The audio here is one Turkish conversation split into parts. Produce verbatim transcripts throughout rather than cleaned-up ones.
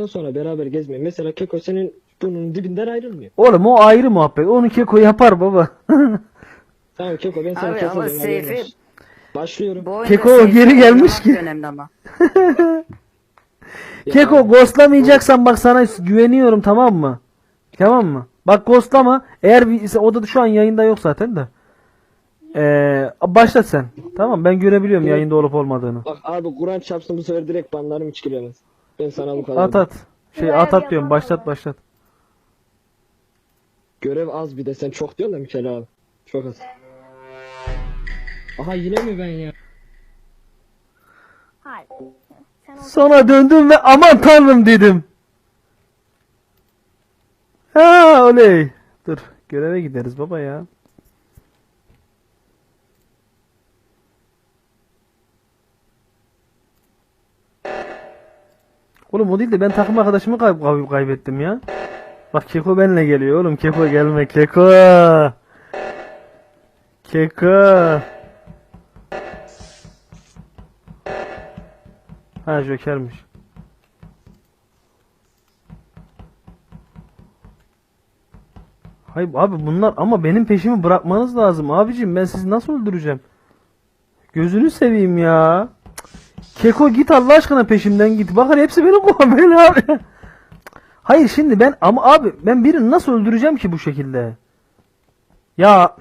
yaptıktan sonra beraber gezmeyin. Mesela Keko senin bunun dibinden ayrılmıyor. Oğlum o ayrı muhabbet. Onu Keko yapar baba. Tamam Keko ben sana Abi ama keselim. haberin Seyfi olsun. Başlıyorum. bu oyunda Keko Seyfi geri gelmiş oynamak ki. da önemli ama. Ya Keko abi, ghostlamayacaksan bak sana güveniyorum, tamam mı? Tamam mı? Bak ghostlama. Eğer bir, o da şu an yayında yok zaten de. Ee, başlat sen. Tamam, ben görebiliyorum Evet. yayında olup olmadığını. Bak abi Kur'an çarpsın bu sefer direkt banlarım hiç giremez. Ben sana bu kadar. At at. Şey at at diyorum. Başlat başlat. Görev az bir de sen çok diyorsun da Mikel abi. Çok az. Aha yine mi ben ya? Hayır. Sen o Sonra döndüm ve aman tanrım dedim. Ha oley. Dur göreve gideriz baba ya. Oğlum o değil de ben takım arkadaşımı kay kay- kaybettim ya. Bak Keko benimle geliyor oğlum. Keko gelme Keko. Keko. Ha Joker'miş. Hayır abi bunlar ama benim peşimi bırakmanız lazım abicim, ben sizi nasıl öldüreceğim? Gözünü seveyim ya. Cık. Keko git Allah aşkına peşimden git. Bakın hepsi beni kovalıyor abi. Hayır şimdi ben ama abi ben birini nasıl öldüreceğim ki bu şekilde? Ya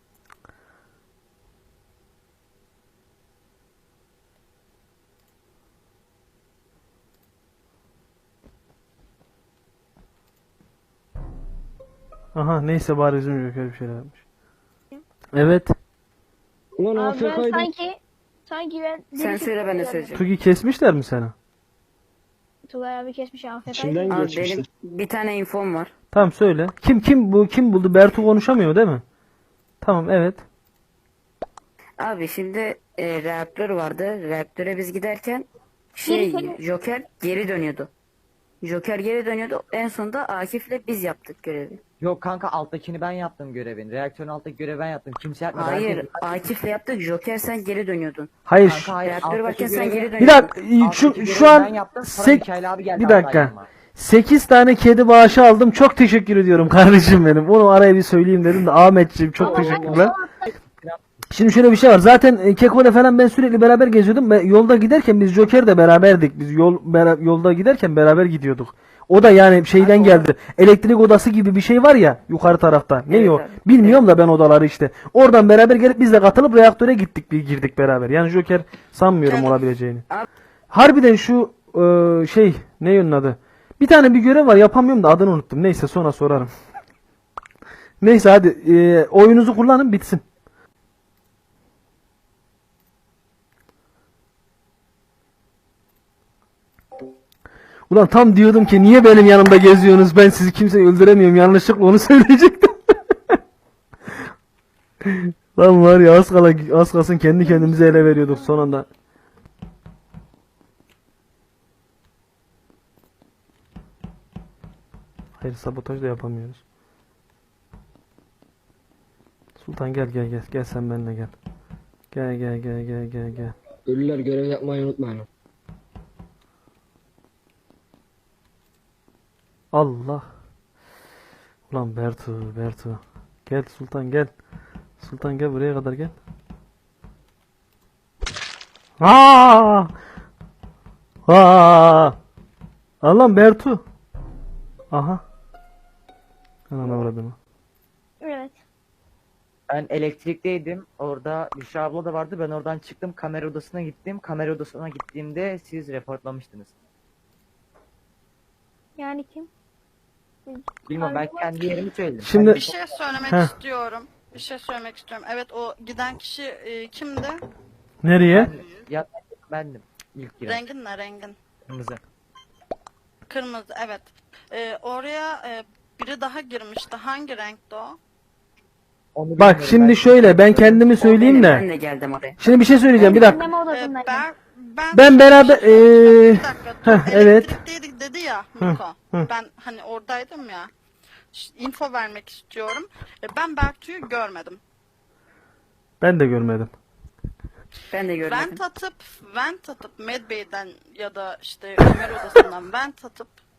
aha neyse bari bizim Joker bir şeyler yapmış. Evet. Ulan Abi ben A F K'ydım. sanki sanki ben Sen söyle ben de söyleyeceğim. Tugi kesmişler mi seni? Tugay abi kesmiş A F K'yı. İçimden Abi geçmişti. benim bir tane infom var. Tamam söyle. Kim kim bu kim buldu? Bertu konuşamıyor değil mi? Tamam evet. Abi şimdi e, reaktör vardı. Reaktöre biz giderken şey Joker geri dönüyordu. Joker geri dönüyordu. En sonunda Akif'le biz yaptık görevi. Yok kanka alttakini ben yaptım görevini. Reaktörün alttaki görevi ben yaptım. Kimse yapmadı. Hayır, Herkes- Akif'le yaptık. Joker sen geri dönüyordun. Hayır. Kanka hayır. Reaktör alttaki varken sen görevi- geri Bir dönüyordun. dakika şu alttaki şu görevi an ben yaptım. Sonra sek- Mikail abi geldi bir hatta dakika. yanıma. sekiz tane kedi bağışı aldım. Çok teşekkür ediyorum kardeşim benim. Onu araya bir söyleyeyim dedim de Ahmetciğim çok Ama ben teşekkürler. o- Şimdi şöyle bir şey var. Zaten e, Keko'yla falan ben sürekli beraber geziyordum. Ben yolda giderken biz Joker de beraberdik. Biz yol bera- yolda giderken beraber gidiyorduk. O da yani şeyden Abi o- geldi. Elektrik odası gibi bir şey var ya yukarı tarafta. Ne Evet o? abi. Bilmiyorum da ben odaları işte. Oradan beraber gelip biz de katılıp reaktöre gittik, bir girdik beraber. Yani Joker sanmıyorum Canım. olabileceğini. Abi- Harbiden şu e, şey ne yönün adı? Bir tane bir görev var, yapamıyorum da adını unuttum. Neyse sonra sorarım. Neyse hadi e, oyunuzu kullanın bitsin. Ulan tam diyordum ki niye benim yanımda geziyorsunuz, ben sizi kimseyi öldüremiyorum, yanlışlıkla onu söyleyecektim. Lan var ya az kala az kalsın kendi kendimize ele veriyorduk son anda. Hayır sabotaj da yapamıyoruz. Sultan gel gel gel gel sen benimle gel. Gel gel gel gel gel gel. Ölüler görev yapmayı unutmayın. Allah. Ulan Bertu, Bertu. Gel Sultan gel. Sultan gel buraya kadar gel. Aa! Aa! Allah'ım Bertu. Aha. Ana uğradım. Evet. Ben elektrikteydim. Orada Büşra abla da vardı. Ben oradan çıktım. Kamera odasına gittim. Kamera odasına gittiğimde siz reportlamıştınız. Yani kim? Bilmiyorum ben kendi yerimi söyledim. Şimdi- Ben Bir şey söylemek Heh. istiyorum. Bir şey söylemek istiyorum. Evet o giden kişi e, kimdi? Nereye? Ben, ya, bendim. İlk giren. Rengin ne rengin? Kırmızı. Kırmızı evet. E, oraya e, biri daha girmişti. Hangi renkti o? Onu Bak bilmiyorum. şimdi Ben- şöyle ben kendimi söyleyeyim Benim, de. Ben de geldim oraya. Şimdi bir şey söyleyeceğim bir dakika. Dinleme E, odasındayım. ben, ben, Ben şöyle beraber- bir şey söyleyeceğim. eee, Bir dakika, dur. heh, evet. Elektrikteydik dedi ya Hı, Miko. hı. Ben hani oradaydım ya. Ş- info vermek istiyorum. E, ben Bertu'yu görmedim. Ben de görmedim. Ben de görmedim. Vent atıp, vent atıp Medbay'den ya da işte Ömer odasından vent atıp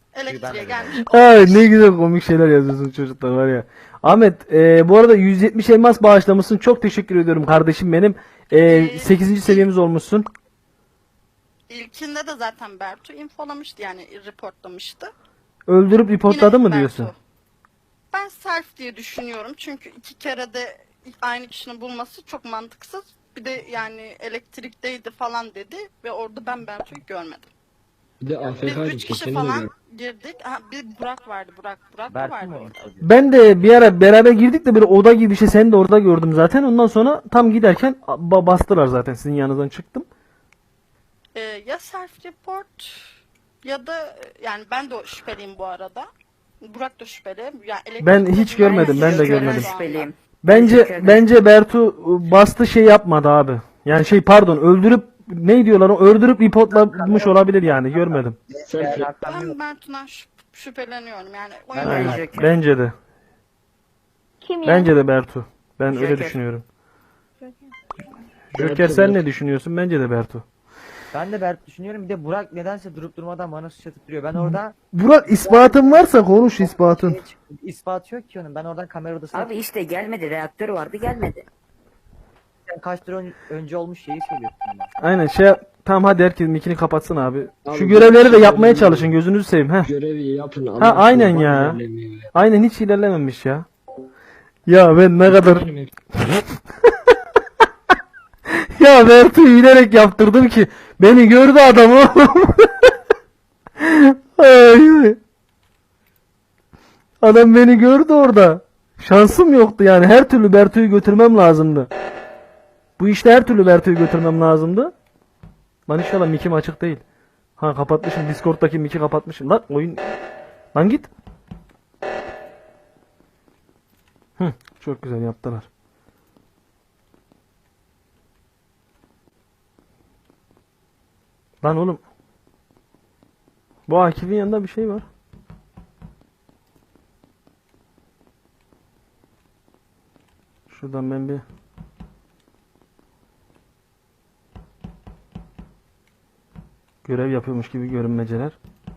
Elektriğe gelmiş. Ay ne güzel komik şeyler yazıyorsun çocuklar var ya. Ahmet e, bu arada yüz yetmiş elmas bağışlamışsın. Çok teşekkür ediyorum kardeşim benim. E, sekizinci seviyemiz olmuşsun. İlkinde de zaten Bertu infolamıştı yani reportlamıştı. Öldürüp reportladı Yine mı diyorsun? Bertu. Ben self diye düşünüyorum çünkü iki kere de aynı kişinin bulması çok mantıksız. Bir de yani elektrikteydi falan dedi ve orada ben Bertu'yu görmedim. Bir de Biz A F K'ydı. üç kişi Seni de falan gördüm. girdik. Ha, bir Burak vardı. Burak. Burak da Bertu vardı mu? orada. Ben de bir ara beraber girdik de böyle oda gibi bir şey seni de orada gördüm zaten. Ondan sonra tam giderken ba- bastılar zaten sizin yanınızdan çıktım. Ee, ya self report ya da yani ben de o şüpheliyim bu arada. Burak da şüpheli. Yani elektrik Ben hiç odasından görmedim, ben de Joker'den görmedim. şu anda. Şüpheliyim. Bence Joker'den. bence Bertu bastı şey yapmadı abi. Yani şey pardon öldürüp ne diyorlar o öldürüp reportlamış olabilir yani görmedim. Self Ben Bertu'dan şüp- şüpheleniyorum yani. Oyun Ben de Aynen. Joker. Bence de. Kim ya? Bence de Bertu. Ben öyle Joker. düşünüyorum. Bertu, Joker sen Bertu. ne düşünüyorsun? Bence de Bertu. Ben de Bertu düşünüyorum. Bir de Burak nedense durup durmadan bana suç atıp duruyor. Ben orada Burak ispatın varsa konuş ispatın. şey çıktı, ispat yok ki onun. Ben oradan kamera odasına Abi işte gelmedi. Reaktör vardı gelmedi. kaç tur ön- önce olmuş şeyi söylüyorsun bana. Aynen şey yap- tamam hadi herkes mikini kapatsın abi. Abi, Şu görevleri de ben- yapmaya çalışın gözünüzü seveyim. Heh. Görevi yapın. Ha Allah aynen aşkına, ya. ilerlemiyor ya. Aynen hiç ilerlememiş ya. Ya ben ne kadar Benim hep- ya Bertu'yu bilerek yaptırdım ki beni gördü adam oğlum. Ay, ay. Adam beni gördü orada. Şansım yoktu yani. Her türlü Bertu'yu götürmem lazımdı. Bu işte her türlü Bertu'yu götürmem lazımdı. Lan inşallah mikim açık değil. Ha kapatmışım. Discord'daki miki kapatmışım. Lan oyun. Lan git. Hı, çok güzel yaptılar. Lan oğlum. Bu Akif'in yanında bir şey var. Şuradan ben bir görev yapıyormuş gibi görünmeceler.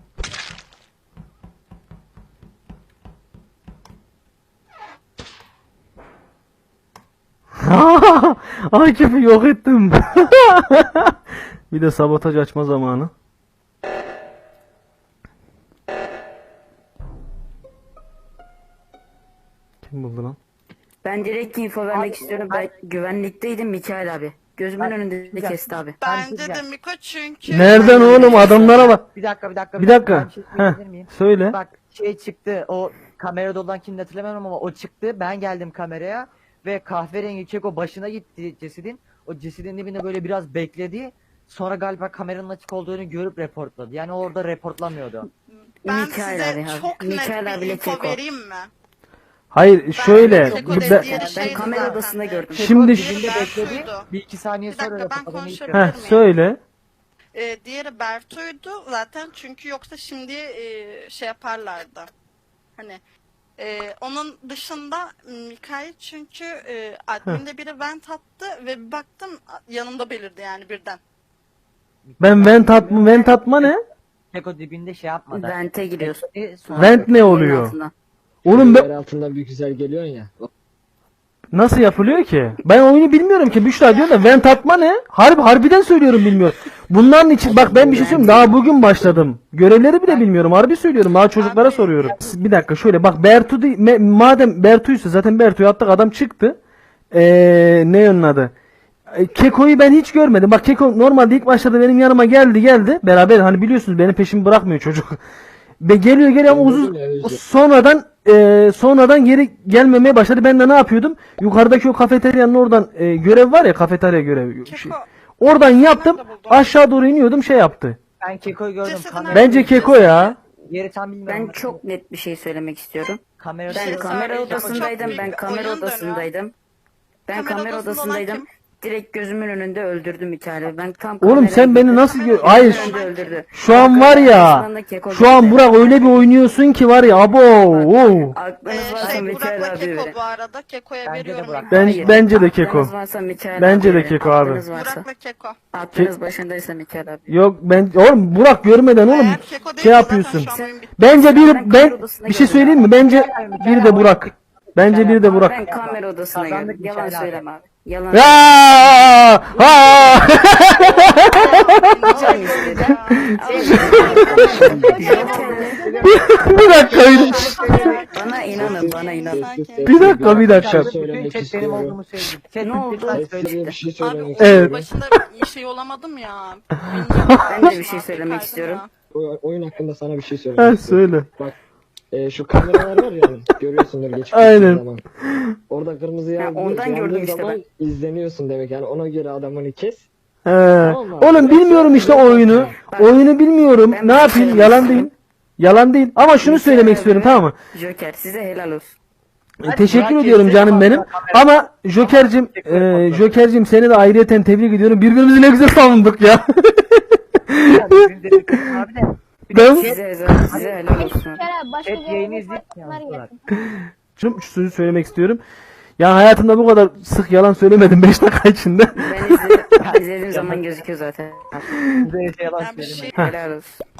Akif'i yok ettim. Bir de sabotaj açma zamanı. Kim buldu lan? Ben direkt info vermek Abi, istiyorum. ben- Ben güvenlikteydim Mikail abi. Gözümün Ben- önünde güzel. kesti abi. Bence de güzel. Miko çünkü... Nereden oğlum adamlara bak. Bir dakika bir dakika. Bir dakika. Ben bir şey söyleyebilir Heh, miyim? söyle. Bak şey çıktı. O kamerada olan kimini hatırlamıyorum ama o çıktı. Ben geldim kameraya ve kahverengi keko başına gitti cesedin. O cesedin dibinde böyle biraz bekledi. Sonra galiba kameranın açık olduğunu görüp reportladı. Yani orada reportlamıyordu. Ben Mikail size abi abi. çok Mikail net bir abiyle info Keko. vereyim mi? Hayır şöyle. Keko bu- dedi, ben- diğeri Ben şeydi kamera zaten. odasında gördüm. Şimdi Diğeri ş- Dibinde bekledi. Bertu'ydu. Bir iki saniye Bir sonra dakika, ben reportladı. konuşabilirim. Heh, söyle. Ee, diğeri Bertu'ydu zaten çünkü yoksa şimdi e, şey yaparlardı. Hani e, onun dışında Mikail çünkü e, adminde biri vent attı ve bir baktım yanımda belirdi yani birden. Ben vent atma, vent atma ne? Keko dibinde şey yapmadı. Vente giriyorsun. Bekledi, sonra- Vent ne Yerin oluyor? altından. Oğlum Yer ben altından bir güzel geliyorsun ya. nasıl yapılıyor ki? Ben oyunu bilmiyorum ki. Büşra diyor da vent atma ne? Harbi harbiden söylüyorum bilmiyorum. Bunların için bak ben bir şey söyleyeyim. Daha bugün başladım. Görevleri bile bilmiyorum. Harbi söylüyorum. Daha çocuklara Abi, soruyorum. Bir dakika şöyle bak Bertu değil, me- madem Bertu'ysa zaten Bertu'yu attık adam çıktı. Ee, ne onun adı? E, Keko'yu ben hiç görmedim. Bak Keko normalde ilk başlarda benim yanıma geldi geldi. Beraber hani biliyorsunuz benim peşimi bırakmıyor çocuk. Ve geliyor geliyor ama Ben uzun dedim ya, özür. sonradan e, sonradan geri gelmemeye başladı. Ben de ne yapıyordum? Yukarıdaki o kafeteryanın oradan e, görev var ya kafeterya görevi. Şey, Keko oradan yaptım. de buldum. Aşağı doğru iniyordum şey yaptı. Ben Keko'yu gördüm. Cesedin Kamera- Bence Keko ya. Yeri tam bilmiyorum. Ben çok net bir şey söylemek istiyorum. Kamerada Bir Ben şey kamera söyleyeceğim. odasındaydım. Çok Ben büyük kamera oyun dönüyor. odasındaydım. Ben Kamera kamera odasında olan odasındaydım. kim? direkt gözümün önünde öldürdü Mikail'i. Ben tam Oğlum kameraya sen beni gittim. nasıl gö- Gözümün Hayır. önünde öldürdü. Şu an var ya. Arkasından da Keko Şu an geldi. Burak öyle bir oynuyorsun ki var ya abo. Oo. Aklınız Ee, varsa şey Mikail Burak'la abi Keko verin. bu arada. Keko'ya Bence de veriyorum. Burak. Ben Hayır, bence de Keko. aklınız varsa Mikail Bence abi de verin. Keko abi. Aklınız varsa. Burak'la Keko. Aklınız başındaysa Mikail abi. Yok ben oğlum Burak görmeden oğlum Eğer Keko şey değilse yapıyorsun. zaten şu an oyun bitti. Bence Ben bir kamera ben odasına bir şey geldim. söyleyeyim mi? Bence bir de Burak. Bence bir de Ben Burak. kamera odasına Kazandık girdim. Yalan Mikail abi. söyleme abi. Yalan. Ya! Ha! Can istedi. Bir dakika bir, Bana inanın, bana inanın. Sakin. bir dakika bir dakika. şey Bütün söylemek chat benim istiyorum. olduğumu söyledi. Chat Ne oldu? lütfen Ben size söyle. bir şey Abi söylemek oyunun istiyorum. Evet. başında bir şey olamadım ya. Ben de bir şey söylemek istiyorum. O- Oyun hakkında sana bir şey Ha söylemek istiyorum. söyle. Bak e, şu kameralar var ya hani, görüyorsundur geçip Aynen. gittiğin zaman. Orada kırmızı Ha, yandı, ondan yandığı gördüm işte zaman izleniyorsun demek yani ona göre adamını kes. He. Tamam mı? Oğlum bilmiyorum işte oyunu. Oyunu bilmiyorum. Ben Ne bir şey yapayım? söylemek Yalan istiyorum. değil. Yalan değil. Ama şunu söylemek istiyorum tamam mı? Joker size helal olsun. E, Teşekkür Burak ediyorum geçti, canım ama benim. kamera- Ama Joker'cim, Teşekkür e, ederim. Joker'cim seni de ayrıyeten tebrik ediyorum. Birbirimizi ne güzel savunduk ya. Bizim dedik abi de. Ben Size, size helal olsun. Kerem başka Chat yayını yayını izleyip izleyip yansıtılar. şu şu sözü söylemek istiyorum. Ya hayatımda bu kadar sık yalan söylemedim beş dakika içinde. Ben izledim, izlediğim zaman gözüküyor zaten. Bize yalan Ben bir söyleme. şey Helal olsun.